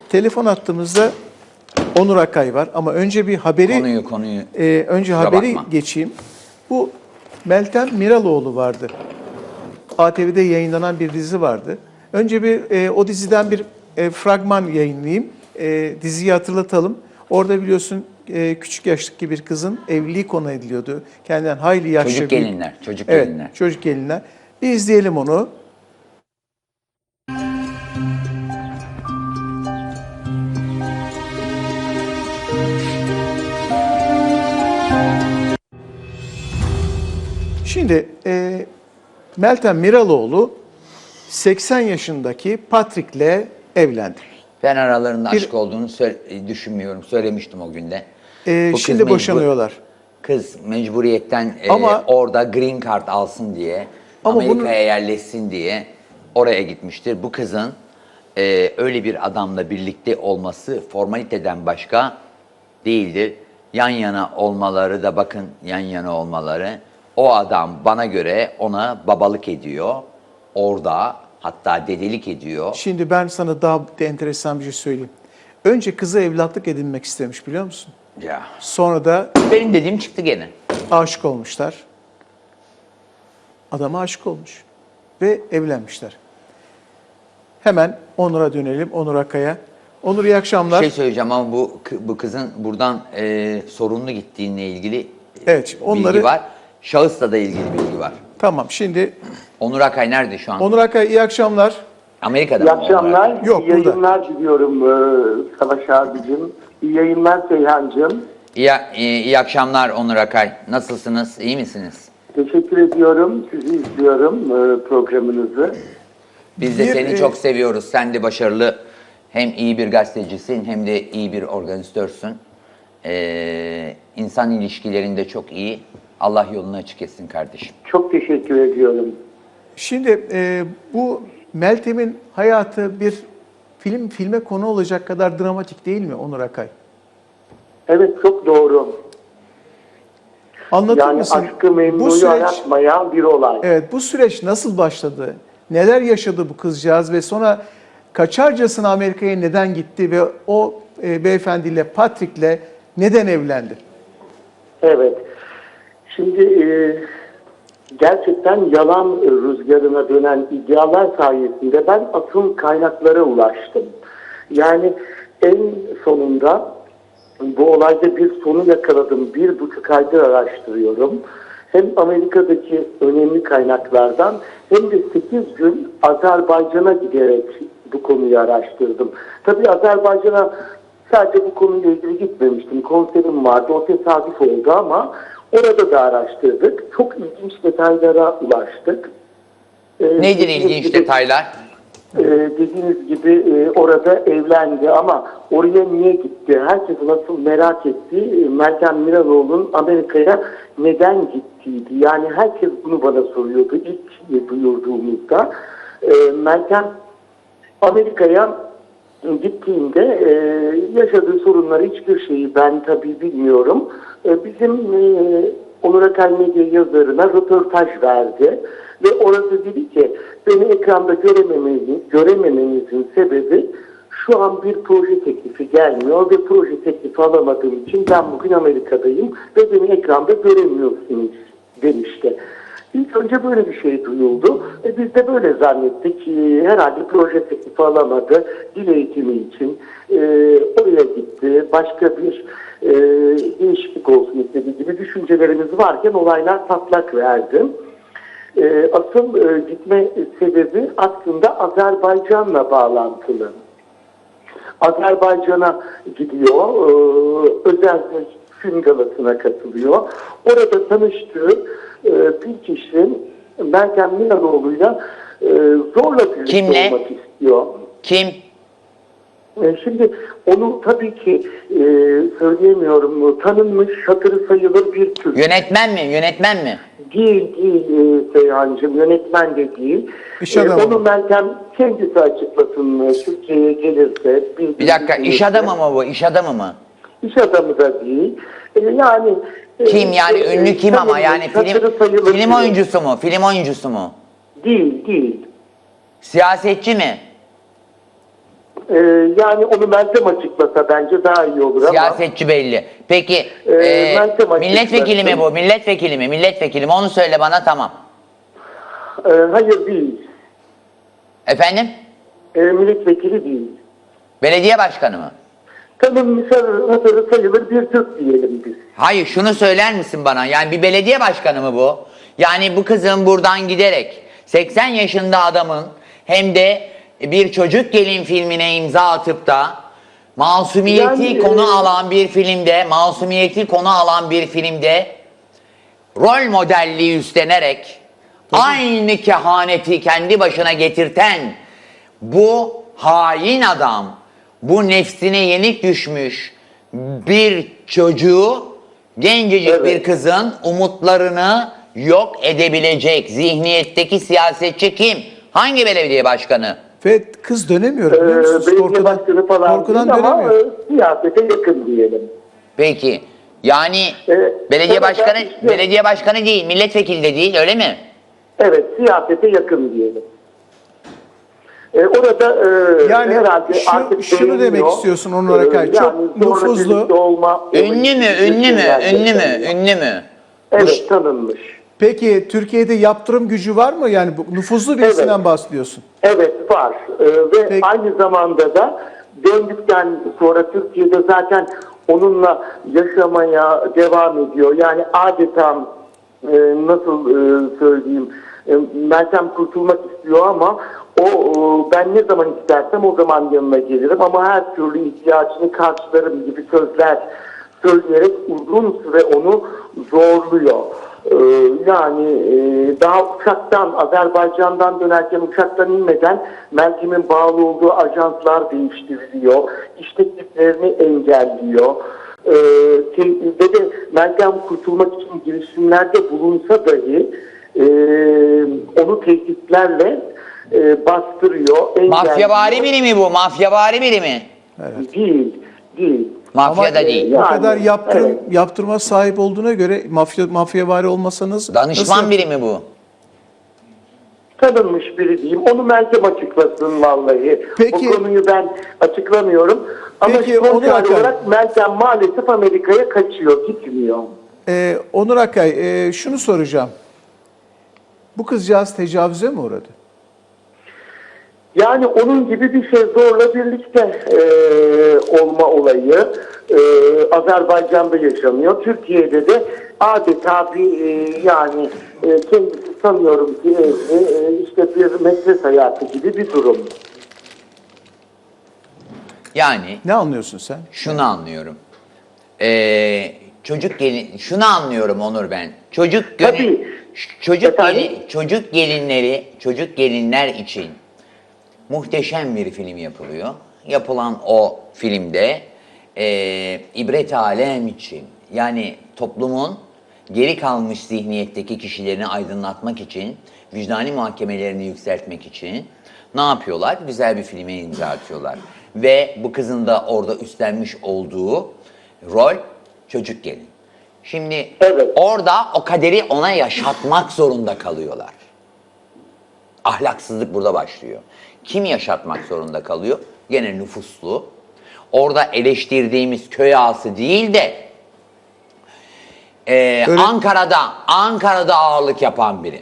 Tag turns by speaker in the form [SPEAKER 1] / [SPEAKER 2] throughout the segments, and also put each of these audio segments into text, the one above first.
[SPEAKER 1] telefon attığımızda Onur Akay var ama önce bir haberi önce haberi geçeyim. Bu Meltem Miraloğlu vardı. ATV'de yayınlanan bir dizi vardı. Önce bir o diziden bir fragman yayınlayayım. Diziyi hatırlatalım. Orada biliyorsun küçük yaştaki bir kızın evliliği konu ediliyordu. Kendinden hayli yaşlı.
[SPEAKER 2] Çocuk gelinler.
[SPEAKER 1] Evet, çocuk gelinler. Bir izleyelim onu. Şimdi Meltem Miraloğlu 80 yaşındaki Patrick'le evlendi.
[SPEAKER 2] Ben aralarında aşk olduğunu düşünmüyorum. Söylemiştim o günde.
[SPEAKER 1] Şimdi boşanıyorlar.
[SPEAKER 2] Kız mecburiyetten
[SPEAKER 1] ama,
[SPEAKER 2] orada green card alsın diye, Amerika'ya yerleşsin diye oraya gitmiştir. Bu kızın öyle bir adamla birlikte olması formaliteden başka değildir. Yan yana olmaları da bakın yan yana olmaları. O adam bana göre ona babalık ediyor. Orada hatta dedelik ediyor.
[SPEAKER 1] Şimdi ben sana daha enteresan bir şey söyleyeyim. Önce kızı evlatlık edinmek istemiş biliyor musun?
[SPEAKER 2] Ya.
[SPEAKER 1] Sonra da
[SPEAKER 2] benim dediğim çıktı gene.
[SPEAKER 1] Aşık olmuşlar. Adama aşık olmuş. Ve evlenmişler. Hemen Onur'a dönelim. Onur Akay'a. Onur iyi akşamlar.
[SPEAKER 2] Bir şey söyleyeceğim ama bu kızın buradan sorunlu gittiğine ilgili bilgi var. Şahısla da ilgili bilgi var.
[SPEAKER 1] Tamam şimdi.
[SPEAKER 2] Onur Akay nerede şu an?
[SPEAKER 1] Onur Akay iyi akşamlar.
[SPEAKER 2] Amerika'da
[SPEAKER 3] mı? İyi akşamlar.
[SPEAKER 1] Yok,
[SPEAKER 3] iyi yayınlar diliyorum Savaş abicim. İyi yayınlar Seyhancığım.
[SPEAKER 2] İyi akşamlar Onur Akay. Nasılsınız? İyi misiniz?
[SPEAKER 3] Teşekkür ediyorum. Sizi izliyorum programınızı.
[SPEAKER 2] Biz de seni çok seviyoruz. Sen de başarılı. Hem iyi bir gazetecisin hem de iyi bir organizatörsün. İnsan ilişkilerinde çok iyi. Allah yolunu açık etsin kardeşim.
[SPEAKER 3] Çok teşekkür ediyorum.
[SPEAKER 1] Şimdi bu Meltem'in hayatı bir filme konu olacak kadar dramatik değil mi Onur Akay?
[SPEAKER 3] Evet çok doğru.
[SPEAKER 1] Anlatır mısın?
[SPEAKER 3] Yani aşkı memnuyu aratmayan bir olay.
[SPEAKER 1] Evet bu süreç nasıl başladı? Neler yaşadı bu kızcağız ve sonra kaçarcasına Amerika'ya neden gitti ve o beyefendiyle Patrick'le neden evlendi?
[SPEAKER 3] Evet. Şimdi gerçekten yalan rüzgarına dönen iddialar sayesinde ben asıl kaynaklara ulaştım. Yani en sonunda bu olayda bir sonu yakaladım. 1,5 aydır araştırıyorum. Hem Amerika'daki önemli kaynaklardan hem de 8 gün Azerbaycan'a giderek bu konuyu araştırdım. Tabii Azerbaycan'a sadece bu konuyla ilgili gitmemiştim. Konserim vardı. O tesadüf oldu ama orada da araştırdık. Çok ilginç detaylara ulaştık.
[SPEAKER 2] Nedir ilginç detaylar?
[SPEAKER 3] Dediğiniz gibi orada evlendi ama oraya niye gitti? Herkesin nasıl merak ettiği Meltem Miraloğlu'nun Amerika'ya neden gittiğiydi. Yani herkes bunu bana soruyordu ilk duyurduğumuzda. Meltem Amerika'ya gittiğinde yaşadığı sorunları hiçbir şeyi ben tabii bilmiyorum. Bizim Onur Akay Medya yazarına röportaj verdi. Ve orada dedi ki beni ekranda görememenizin sebebi şu an bir proje teklifi gelmiyor ve proje teklifi alamadığım için ben bugün Amerika'dayım ve beni ekranda göremiyorsunuz demişti. İlk önce böyle bir şey duyuldu. Biz de böyle zannettik. Herhalde proje teklifi alamadı. Dil eğitimi için oraya gitti. Başka bir değişiklik olsun istediği gibi düşüncelerimiz varken olaylar patlak verdi. Asıl gitme sebebi aslında Azerbaycan'la bağlantılı. Azerbaycan'a gidiyor, özel bir film galasına katılıyor. Orada tanıştığı bir kişi Meltem Miraloğlu'yla zorla birlikte olmak istiyor.
[SPEAKER 2] Kim?
[SPEAKER 3] Şimdi onu tabii ki söyleyemiyorum. Tanınmış, hatırı sayılır bir Türk.
[SPEAKER 2] Yönetmen mi? Yönetmen mi?
[SPEAKER 3] Değil Seyhancığım. Yönetmen de değil. Onu Meltem kendisi açıklasın. Türkiye'ye gelirse.
[SPEAKER 2] Bir dakika. İş adamı mı bu? İş adamı mı?
[SPEAKER 3] İş adamı da değil. Yani
[SPEAKER 2] kim yani? Ünlü kim ama? Yani film oyuncusu mu? Film oyuncusu mu?
[SPEAKER 3] Değil.
[SPEAKER 2] Siyasetçi mi?
[SPEAKER 3] Yani onu Meltem açıklasa bence daha iyi olur ama.
[SPEAKER 2] Siyasetçi belli. Peki
[SPEAKER 3] Meltem
[SPEAKER 2] milletvekili mi
[SPEAKER 3] açıklasın.
[SPEAKER 2] bu? Milletvekili mi? Milletvekili mi? Onu söyle bana, tamam.
[SPEAKER 3] Hayır değil.
[SPEAKER 2] Efendim?
[SPEAKER 3] Milletvekili değil.
[SPEAKER 2] Belediye başkanı mı?
[SPEAKER 3] Tanınmış hatırı sayılır bir Türk diyelim biz.
[SPEAKER 2] Hayır, şunu söyler misin bana? Yani bir belediye başkanı mı bu? Yani bu kızın buradan giderek 80 yaşında adamın hem de bir çocuk gelin filmine imza atıp da masumiyeti konu alan bir filmde rol modelliği üstlenerek aynı kehaneti kendi başına getirten bu hain adam, bu nefsine yenik düşmüş bir çocuğu, gencecik bir kızın umutlarını yok edebilecek zihniyetteki siyasetçi kim? Hangi belediye başkanı?
[SPEAKER 1] Ve kız dönemiyor. biliyor musunuz?
[SPEAKER 3] Belediye başkanı falan
[SPEAKER 1] korkudan
[SPEAKER 3] değil ama
[SPEAKER 1] dönemiyor.
[SPEAKER 3] siyasete yakın diyelim.
[SPEAKER 2] Peki. Yani
[SPEAKER 3] Evet,
[SPEAKER 2] belediye başkanı değil, milletvekili de değil, öyle mi?
[SPEAKER 3] Evet, siyasete yakın diyelim. Orada
[SPEAKER 1] Yani
[SPEAKER 3] herhalde artık
[SPEAKER 1] şunu
[SPEAKER 3] beğeniyor.
[SPEAKER 1] demek istiyorsun Onur Akay. Çok nüfuzlu.
[SPEAKER 2] Ünlü mü?
[SPEAKER 3] Evet, tanınmış.
[SPEAKER 1] Peki Türkiye'de yaptırım gücü var mı? Yani bu nüfuzlu birisinden bahsediyorsun.
[SPEAKER 3] Evet, var. Ve
[SPEAKER 1] Peki.
[SPEAKER 3] aynı zamanda da döndükten sonra Türkiye'de zaten onunla yaşamaya devam ediyor. Yani adeta nasıl söyleyeyim, Meltem kurtulmak istiyor ama ben ne zaman istersem o zaman yanına gelirim ama her türlü ihtiyacını karşılarım gibi sözler söyleyerek uzun süre onu zorluyor. Yani daha uçaktan, Azerbaycan'dan dönerken uçaktan inmeden Meltem'in bağlı olduğu ajanslar değiştiriliyor. İş tekliflerini engelliyor. Ve de Meltem kurtulmak için girişimlerde bulunsa dahi onu tehditlerle bastırıyor, engelliyor.
[SPEAKER 2] Mafyavari biri mi bu? Mafyavari biri mi?
[SPEAKER 1] Evet.
[SPEAKER 3] Değil.
[SPEAKER 2] Mafya da değil.
[SPEAKER 1] Bu kadar yaptırma sahip olduğuna göre mafyavari olmasanız
[SPEAKER 2] Danışman
[SPEAKER 1] nasıl
[SPEAKER 2] biri mi bu?
[SPEAKER 3] Tanınmış biri diyeyim. Onu Meltem açıklasın vallahi.
[SPEAKER 1] Peki,
[SPEAKER 3] o konuyu ben açıklamıyorum. Ama
[SPEAKER 1] peki,
[SPEAKER 3] son
[SPEAKER 1] Onur Akay,
[SPEAKER 3] olarak Meltem maalesef Amerika'ya kaçıyor, gitmiyor.
[SPEAKER 1] Onur Akay, şunu soracağım. Bu kızcağız tecavüze mi uğradı?
[SPEAKER 3] Yani onun gibi bir şey, zorla birlikte olma olayı Azerbaycan'da yaşanıyor. Türkiye'de de adeta bir yani kendisi sanıyorum ki işte bir metres hayatı gibi bir durum.
[SPEAKER 2] Yani
[SPEAKER 1] Ne anlıyorsun sen?
[SPEAKER 2] şunu anlıyorum. Şunu anlıyorum Onur ben.
[SPEAKER 3] Tabii.
[SPEAKER 2] Çocuk gelinler için muhteşem bir film yapılıyor. Yapılan o filmde ibret alem için, yani toplumun geri kalmış zihniyetteki kişilerini aydınlatmak için, vicdani muhakemelerini yükseltmek için ne yapıyorlar? Güzel bir filme imza atıyorlar. Ve bu kızın da orada üstlenmiş olduğu rol çocuk gelin. Şimdi orada o kaderi ona yaşatmak zorunda kalıyorlar. Ahlaksızlık burada başlıyor. Kim yaşatmak zorunda kalıyor? Gene nüfuslu. Orada eleştirdiğimiz köy ağası değil de Ankara'da ağırlık yapan biri.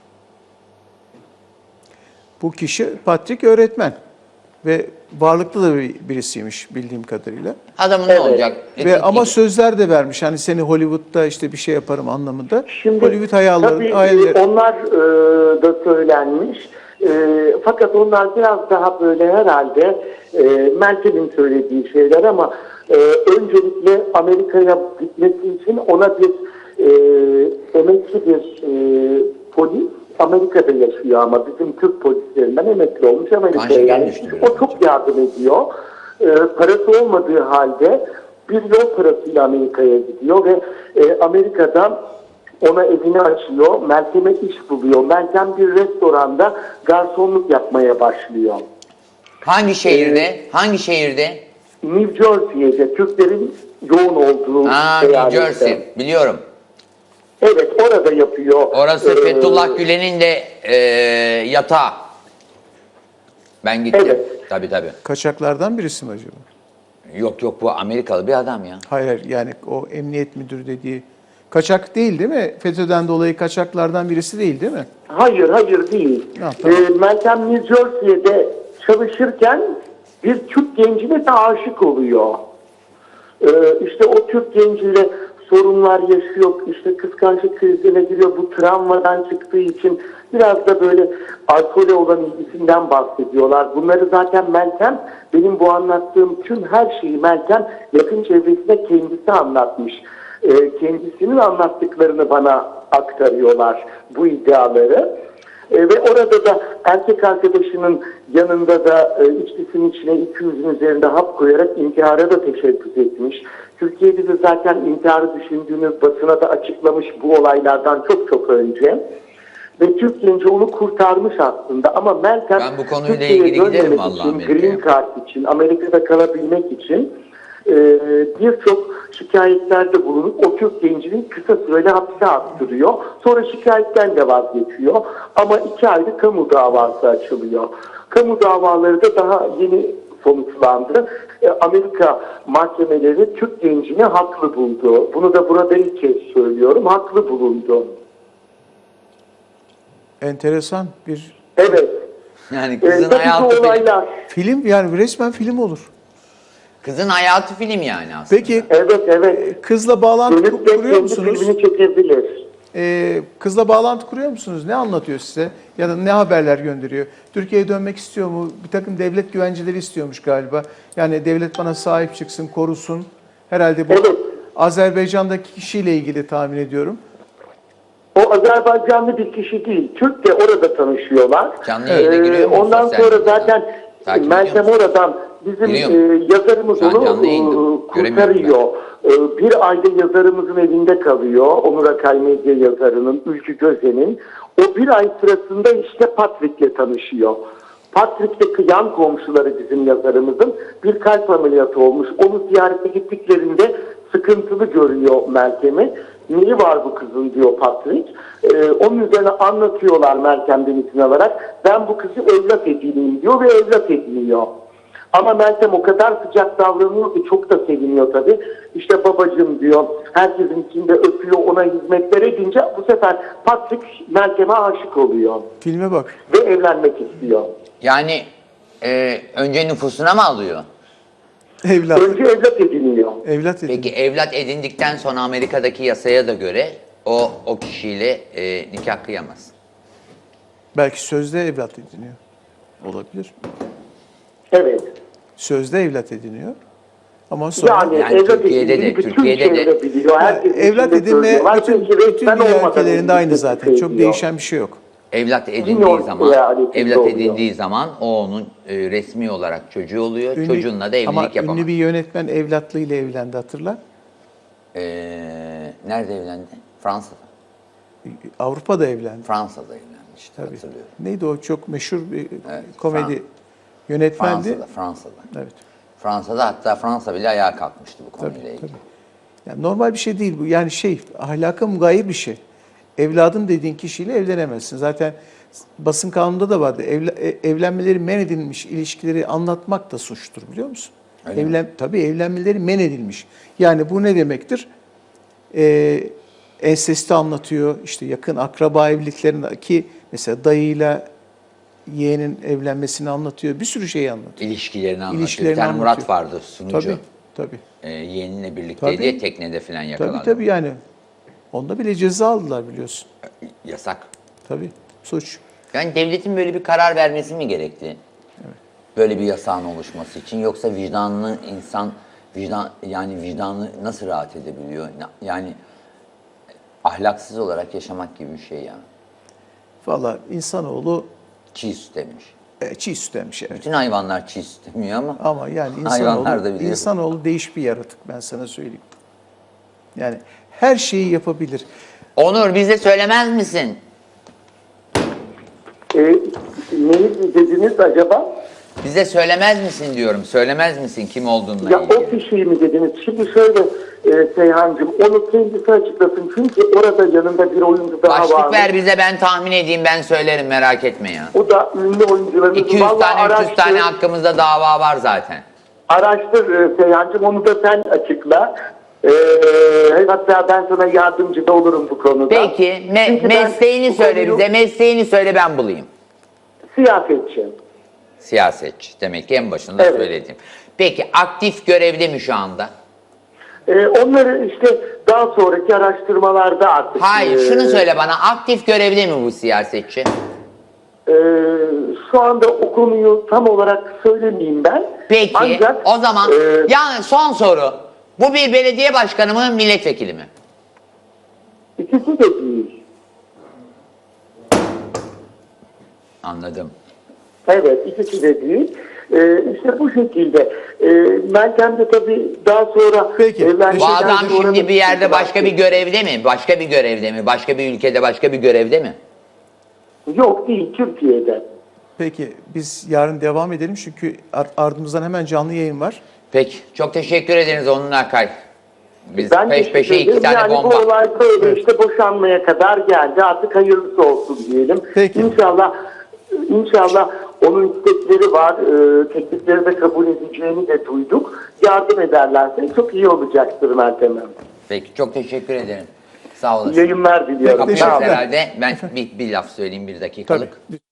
[SPEAKER 1] Bu kişi Patrick öğretmen ve varlıklı da birisiymiş bildiğim kadarıyla.
[SPEAKER 2] Adamın ne olacak?
[SPEAKER 1] Ama sözler de vermiş. Hani seni Hollywood'da işte bir şey yaparım anlamında.
[SPEAKER 3] Şimdi
[SPEAKER 1] Hollywood hayalleri.
[SPEAKER 3] onlar da söylenmiş. Fakat onlar biraz daha böyle herhalde Meltem'in söylediği şeyler ama öncelikle Amerika'ya gitmesi için ona bir emekli bir polis Amerika'da yaşıyor ama bizim Türk polislerinden emekli olmuş Amerika'ya gelmiş. O çok yardım ediyor. Parası olmadığı halde bir yol parasıyla Amerika'ya gidiyor ve Amerika'da ona evini açıyor. Meltem'e iş buluyor. Meltem bir restoranda garsonluk yapmaya başlıyor.
[SPEAKER 2] Hangi şehirde? Hangi şehirde?
[SPEAKER 3] New Jersey'de, Türklerin yoğun olduğu
[SPEAKER 2] New Jersey. Biliyorum.
[SPEAKER 3] Evet, orada yapıyor.
[SPEAKER 2] Orası Fethullah Gülen'in de yatağı. Ben gittim.
[SPEAKER 3] Evet.
[SPEAKER 2] Tabii tabii.
[SPEAKER 1] Kaçaklardan birisi mi acaba?
[SPEAKER 2] Yok yok, bu Amerikalı bir adam ya.
[SPEAKER 1] Hayır, yani o emniyet müdürü dediği kaçak değil mi? FETÖ'den dolayı kaçaklardan birisi değil mi?
[SPEAKER 3] Hayır değil.
[SPEAKER 1] Ha, tamam.
[SPEAKER 3] Meltem New Jersey'de çalışırken bir Türk gencine de aşık oluyor. İşte o Türk genciyle sorunlar yaşıyor, işte kıskançlık krizine giriyor. Bu travmadan çıktığı için biraz da böyle alkole olan ilgisinden bahsediyorlar. Bunları zaten Meltem, benim bu anlattığım tüm her şeyi Meltem yakın çevresine kendisi anlatmış. Kendisinin anlattıklarını bana aktarıyorlar, bu iddiaları. Ve orada da erkek arkadaşının yanında da içkisinin içine 200'ün üzerinde hap koyarak intihara da teşebbüs etmiş. Türkiye'de de zaten intiharı düşündüğünü basına da açıklamış bu olaylardan çok önce. Ve Türk genci onu kurtarmış aslında, ama Meltem
[SPEAKER 2] Ben bu konuyla
[SPEAKER 3] Türkiye'ye
[SPEAKER 2] ilgili giderim
[SPEAKER 3] dönmemek
[SPEAKER 2] vallahi
[SPEAKER 3] için,
[SPEAKER 2] Amerika'ya.
[SPEAKER 3] Green Card için, Amerika'da kalabilmek için birçok şikayetlerde bulunup o Türk gencinin kısa süreli hapse attırıyor. Sonra şikayetten de vazgeçiyor. Ama 2 ayda kamu davası açılıyor. Kamu davaları da daha yeni sonuçlandı. Amerika mahkemeleri Türk gencini haklı buldu. Bunu da burada ilk kez söylüyorum. Haklı bulundu.
[SPEAKER 1] Enteresan bir
[SPEAKER 3] Evet.
[SPEAKER 2] Yani kızın
[SPEAKER 3] Tabii
[SPEAKER 2] hayatı
[SPEAKER 3] bu
[SPEAKER 2] film.
[SPEAKER 3] olaylar.
[SPEAKER 1] film, yani resmen film olur.
[SPEAKER 2] Kızın hayatı film yani aslında.
[SPEAKER 1] Peki
[SPEAKER 3] Evet.
[SPEAKER 1] kızla bağlantı
[SPEAKER 3] Dönüp de
[SPEAKER 1] kuruyor
[SPEAKER 3] kendi
[SPEAKER 1] musunuz?
[SPEAKER 3] filmini çekebilir.
[SPEAKER 1] Kızla bağlantı kuruyor musunuz? Ne anlatıyor size? Ya da ne haberler gönderiyor? Türkiye'ye dönmek istiyor mu? Bir takım devlet güvenceleri istiyormuş galiba. Yani devlet bana sahip çıksın, korusun. Herhalde bu
[SPEAKER 3] Evet.
[SPEAKER 1] Azerbaycan'daki kişiyle ilgili tahmin ediyorum.
[SPEAKER 3] O Azerbaycanlı bir kişi değil. Türk de orada tanışıyorlar.
[SPEAKER 2] Canlı yayına giriyor mu
[SPEAKER 3] Ondan
[SPEAKER 2] sosyal
[SPEAKER 3] sonra
[SPEAKER 2] medyada?
[SPEAKER 3] zaten
[SPEAKER 2] Takip
[SPEAKER 3] Meltem
[SPEAKER 2] ediyor musun?
[SPEAKER 3] oradan bizim
[SPEAKER 2] Giriyor
[SPEAKER 3] yazarımız
[SPEAKER 2] Şu an canlı
[SPEAKER 3] onu
[SPEAKER 2] yayında. Göremiyorum
[SPEAKER 3] kurtarıyor. Bir ayda yazarımızın evinde kalıyor. Onur Akay Medya yazarının, Ülkü Gözen'in. O bir ay sırasında işte Patrick'le tanışıyor. Patrick'te yan komşuları bizim yazarımızın bir kalp ameliyatı olmuş. Onu ziyarete gittiklerinde sıkıntılı görüyor Meltem'i. Neyi var bu kızın diyor Patrick. Onun üzerine anlatıyorlar Meltem'den izin alarak. Ben bu kızı evlat edineyim diyor ve evlat ediniyor. Ama Meltem o kadar sıcak davranıyor ki çok da seviniyor tabii. İşte babacığım diyor, herkesin içinde öpüyor, ona hizmetler edince bu sefer Patrick Meltem'e aşık oluyor.
[SPEAKER 1] Filme bak.
[SPEAKER 3] Ve evlenmek istiyor.
[SPEAKER 2] Yani önce nüfusuna mı alıyor?
[SPEAKER 1] Evlat.
[SPEAKER 3] Önce evlat ediniyor.
[SPEAKER 1] Evlat edin.
[SPEAKER 2] Peki evlat edindikten sonra Amerika'daki yasaya da göre o kişiyle nikah kıyamaz.
[SPEAKER 1] Belki sözde evlat ediniyor. Olabilir.
[SPEAKER 3] Evet.
[SPEAKER 1] Sözde evlat ediniyor. Ama sonra
[SPEAKER 2] Yani
[SPEAKER 3] evlat
[SPEAKER 2] Türkiye'de de-
[SPEAKER 3] edindiğini bütün
[SPEAKER 2] Türkiye'de de-
[SPEAKER 3] çevre biliyor. Herkes
[SPEAKER 1] evlat
[SPEAKER 3] içinde
[SPEAKER 1] edinme
[SPEAKER 3] söylüyorlar.
[SPEAKER 1] bütün
[SPEAKER 3] Çünkü resmen
[SPEAKER 1] dünya
[SPEAKER 3] olmadan
[SPEAKER 1] ülkelerinde aynı
[SPEAKER 3] edildiğini
[SPEAKER 1] zaten. Çok
[SPEAKER 3] söylüyor.
[SPEAKER 1] değişen bir şey yok.
[SPEAKER 2] Evlat edindiği
[SPEAKER 3] Bilmiyorum,
[SPEAKER 2] zaman,
[SPEAKER 3] eyaletinde
[SPEAKER 2] evlat
[SPEAKER 3] oluyor.
[SPEAKER 2] edindiği zaman o onun resmi olarak çocuğu oluyor. Çocuğunla da
[SPEAKER 1] ama
[SPEAKER 2] evlilik yapamaz.
[SPEAKER 1] ünlü bir yönetmen evlatlığıyla evlendi, hatırla.
[SPEAKER 2] Nerede evlendi? Fransa'da.
[SPEAKER 1] Avrupa'da evlendi.
[SPEAKER 2] Fransa'da evlenmişti,
[SPEAKER 1] Tabii.
[SPEAKER 2] hatırlıyorum.
[SPEAKER 1] Neydi o çok meşhur bir
[SPEAKER 2] Evet,
[SPEAKER 1] komedi yönetmendi.
[SPEAKER 2] Fransa'da.
[SPEAKER 1] Evet.
[SPEAKER 2] Fransa'da, hatta Fransa bile ayağa kalkmıştı bu konuyla
[SPEAKER 1] Tabii,
[SPEAKER 2] ilgili.
[SPEAKER 1] tabii. Yani normal bir şey değil bu. Yani ahlaka mugayir bir şey. Evladım dediğin kişiyle evlenemezsin. Zaten basın kanununda da vardı. Evlenmeleri men edilmiş ilişkileri anlatmak da suçtur, biliyor musun?
[SPEAKER 2] Öyle mi?
[SPEAKER 1] Tabii evlenmeleri men edilmiş. Yani bu ne demektir? Ensesti anlatıyor. İşte yakın akraba evliliklerindeki mesela dayıyla yeğenin evlenmesini anlatıyor. Bir sürü şeyi anlatıyor.
[SPEAKER 2] İlişkilerini anlatıyor.
[SPEAKER 1] İlişkilerini
[SPEAKER 2] Bir tane Murat
[SPEAKER 1] anlatıyor.
[SPEAKER 2] vardı, sunucu.
[SPEAKER 1] Tabii.
[SPEAKER 2] Yeğeninle birlikteydi
[SPEAKER 1] Tabii.
[SPEAKER 2] ya, teknede falan yakalandı.
[SPEAKER 1] Tabii yani. Onda bile ceza aldılar, biliyorsun.
[SPEAKER 2] Yasak.
[SPEAKER 1] Tabii. Suç.
[SPEAKER 2] Yani devletin böyle bir karar vermesi mi gerekti? Evet. Böyle bir yasağın oluşması için, yoksa vicdanlı insan vicdanı nasıl rahat edebiliyor? Yani ahlaksız olarak yaşamak gibi bir şey yani.
[SPEAKER 1] Valla insanoğlu
[SPEAKER 2] Çiğ süt emmiş.
[SPEAKER 1] çiğ süt emmiş, evet.
[SPEAKER 2] Bütün hayvanlar çiğ süt emiyor ama
[SPEAKER 1] Ama yani
[SPEAKER 2] hayvanlar da biliyor.
[SPEAKER 1] insanoğlu değişik bir yaratık, ben sana söyleyeyim. Yani her şeyi yapabilir.
[SPEAKER 2] Onur, bize söylemez misin?
[SPEAKER 3] Neyi dediniz acaba?
[SPEAKER 2] Bize söylemez misin diyorum. Söylemez misin kim olduğunla
[SPEAKER 3] Ya
[SPEAKER 2] ilgili?
[SPEAKER 3] o kişiyi mi dediniz? Şimdi şöyle Seyhan'cığım, onu kendisi açıklasın. Çünkü orada yanında bir oyuncu daha var.
[SPEAKER 2] Başlık ver bize, ben tahmin edeyim, ben söylerim, merak etme ya.
[SPEAKER 3] O da ünlü oyuncularımız.
[SPEAKER 2] 200 tane 300 tane hakkımızda dava var zaten.
[SPEAKER 3] Araştır Seyhan'cığım, onu da sen açıkla. Hatta ben sana yardımcı da olurum bu konuda.
[SPEAKER 2] Peki
[SPEAKER 3] Çünkü ben
[SPEAKER 2] mesleğini
[SPEAKER 3] bu
[SPEAKER 2] söyle
[SPEAKER 3] konuyu-
[SPEAKER 2] bize, mesleğini söyle, ben bulayım.
[SPEAKER 3] Siyasetçi.
[SPEAKER 2] Siyasetçi demek ki en başında
[SPEAKER 3] Evet.
[SPEAKER 2] söyledim. Peki aktif görevde mi şu anda?
[SPEAKER 3] Onları işte daha sonraki araştırmalarda artık...
[SPEAKER 2] Hayır, şunu söyle bana, aktif görevde mi bu siyasetçi?
[SPEAKER 3] Şu anda o konuyu tam olarak söylemeyeyim ben.
[SPEAKER 2] Peki
[SPEAKER 3] Ancak,
[SPEAKER 2] o zaman yani son soru. Bu bir belediye başkanı mı, milletvekili mi?
[SPEAKER 3] ikisi de değil.
[SPEAKER 2] Anladım.
[SPEAKER 3] Evet, ikisi de değil. İşte bu şekilde. Meltem de tabii daha sonra...
[SPEAKER 1] Peki,
[SPEAKER 3] evlendikten
[SPEAKER 2] Bu adam
[SPEAKER 3] sonra
[SPEAKER 2] şimdi
[SPEAKER 3] da-
[SPEAKER 2] bir yerde başka bir görevde mi? Başka bir görevde mi? Başka bir ülkede başka bir görevde mi?
[SPEAKER 3] Yok değil, Türkiye'de.
[SPEAKER 1] Peki biz yarın devam edelim çünkü ardımızdan hemen canlı yayın var.
[SPEAKER 2] Peki. Çok teşekkür ederiz Onur Akay. Biz
[SPEAKER 3] Ben
[SPEAKER 2] peş
[SPEAKER 3] teşekkür
[SPEAKER 2] peşe iki
[SPEAKER 3] ederim.
[SPEAKER 2] tane
[SPEAKER 3] yani
[SPEAKER 2] bomba.
[SPEAKER 3] bu olay böyle işte boşanmaya kadar geldi. Artık hayırlısı olsun diyelim.
[SPEAKER 1] Peki.
[SPEAKER 3] İnşallah onun istekleri var. Teklifleri de kabul edeceğini de duyduk. Yardım ederlerse çok iyi olacaktır Meltem Hanım.
[SPEAKER 2] Peki. Çok teşekkür ederim. Sağ olasın.
[SPEAKER 3] Yayınlar diliyorum.
[SPEAKER 2] Kapıyoruz
[SPEAKER 3] Sağ olun.
[SPEAKER 2] herhalde. Ben bir laf söyleyeyim, bir dakikalık.
[SPEAKER 1] Tabii.